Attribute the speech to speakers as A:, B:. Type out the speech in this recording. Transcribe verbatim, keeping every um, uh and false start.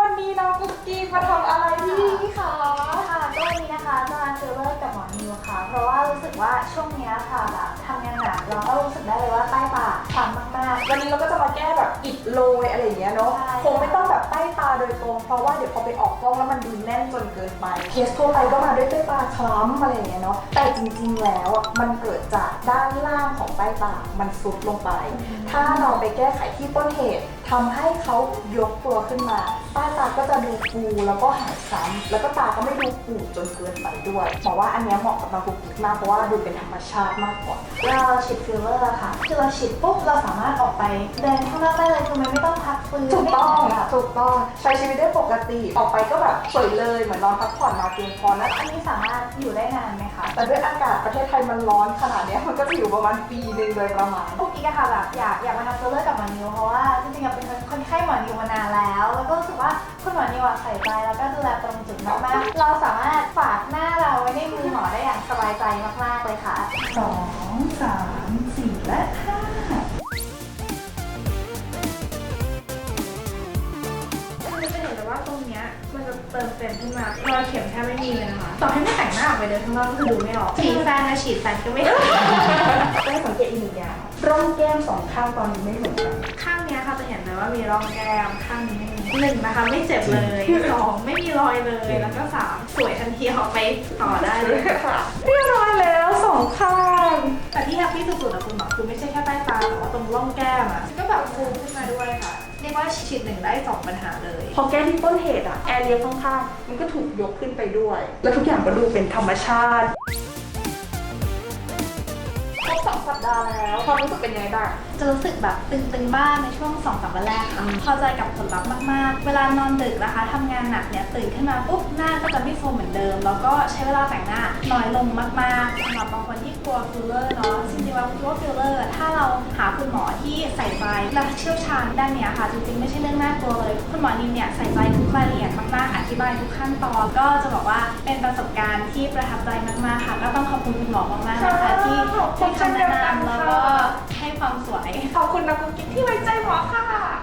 A: วันนี้น้องกุ๊กกิ๊กมาทำอะไรพี่คะ
B: ค่ะก็วันนี้นะคะจะมาฟิลเลอร์กับหมอนิวค่ะเพราะว่ารู้สึกว่าช่วงนี้ค่ะแบบทำงานหนักเราก็รู้สึกได้เลยว่าใต้ตาคล้ำมากๆ
A: วันนี้เราก็จะมาแก้แบบอิดโรยอะไรอย่างเงี้ยเนาะคงไม่ต้องแบบใต้ตาโดยตรงเพราะว่าเดี๋ยวพอไปออกกล้องแล้วมันดูแน่นจนเกินไปเคสทั่วไปก็มาด้วยใต้ตาคล้ำอะไรอย่างเงี้ยเนาะแต่จริงๆแล้วอ่ะมันเกิดจากด้านล่างของใต้ตามันซุดลงไปถ้าเราไปแก้ไขที่ต้นเหตุทำให้เขายกตัวขึ้นมาใต้ตาก็จะดูฟูแล้วก็หายคล้ำแล้วก็ตาก็ไม่ดูปูดจนเกินไปด้วยบอกว่าอันนี้เหมาะกับน้องกุ๊กกิ๊กมากเพราะว่าดูเป็นธรรมชาติมากกว่า
B: เราฉีดฟิลเลอร์ค่ะคือเราฉีดปุ๊บเราสามารถออกไปเดินข้างนอกได้เลยคือมันไม่ต้องพักฟื้น
A: ถูกต้องถูกต้องใช้ชีวิตได้ปกติออกไปก็แบบสวยเลยเหมือนนอนพักผ่อนมาเพียงพอนะ
B: อันนี้สามารถอยู่ได้นานไหมคะ
A: แต่ด้วยอากาศประเทศไทยมันร้อนขนาดนี้มันก็จะอยู่ประมาณปีหนึ่งโดยประมาณ
B: กุ๊กกิ๊กอะค่ะแบบอยากอยากมาทำฟิลเลอร์กับหมอนิวเพราะว่าจริงๆเป็นคนไข้หมอนิวมานานแล้วแล้วก็รู้สึกว่าคุณหมอนิวใส่ใจแล้วก็ดูแลตรงจุดมากๆเราสามารถฝากหน้าเราไว้ในมือหมอได้อย่างสบายใจมากๆเลยค่ะ
A: สองสามสี่และห้า
C: คือจะเห็นเลยว่าตรงเนี้ยมันจะเติมเต็มขึ้นมารอยเข็มแทบไม่มีเลยนะคะต่อให้ไม่แต่งหน้าออกไปเดินข้างนอกก็คือดูไม่ออกฉีดแฟนนะฉีดแฟนก็ไม่เห็น
A: ได้สังเกตอีกหนึ่งอย่างร่องแก้มสองข้างตอนนี้ไม่เหมือนกัน
C: ข้างเนี้ยค่ะจะเห็นเลยว่ามีร่องแก้มข้างนี้ไม่มีหนึ่งนะคะไม่เจ็บเลยสองไม่มีรอยเลยแล้วก็สามสวยทันทีออกไปต่อได้เลยค่ะ
A: เรียบร้อยแล้วสองข้าง
C: แต่ที่แฮปปี้สุดๆนะคุณหมอคือไม่ใช่แค่ใต้ตาแต่ว่าตรงร่องแก้มอ่ะก็แบบฟูขึ้นมาด้วยค่ะเรียกว่าฉีดหนึ่งได้สองปัญหาเลย
A: พอแก้ที่ต้นเหตุอะแอร์เรียข้างๆมันก็ถูกยกขึ้นไปด้วย แล้วทุกอย่างก็ดูเป็นธรรมชาติครบสองสัปดาห์แล้วความรู้สึกเป็นยังไงบ้าง
B: จะรู้สึกแบบตึงๆบ้างในช่วงสองสามวันแรกค่ะพอใจกับผลลัพธ์มากๆเวลานอนดึกนะคะทำงานหนักเนี่ยตื่นขึ้นมาปุ๊บหน้าก็จะไม่โฟมเหมือนเดิมแล้วก็ใช้เวลาแต่งหน้าน้อยลงมากๆสำหรับบางคนที่กลัวฟิลเลอร์เนาะจริงๆแล้วคิดว่าฟิลเลอร์ถ้าเราหาคุณหมอที่ใส่ใจและเชี่ยวชาญด้านเนี้ยค่ะจริงๆไม่ใช่เรื่องน่ากลัวเลยคุณหมอนิมเนี่ยใส่ใจทุกรายละเอียดมากๆอธิบายทุกขั้นตอนก็จะบอกว่าเป็นประสบการณ์ที่ประทับใจมากๆค่ะก็ต้องขอบคุณคุณหมอมากๆนะคะที่ให้คำแนะนำแล้วก็ให้ความสวย
A: ขอบคุณนะกุ๊กกิ๊กที่ไว้ใจหมอค่ะ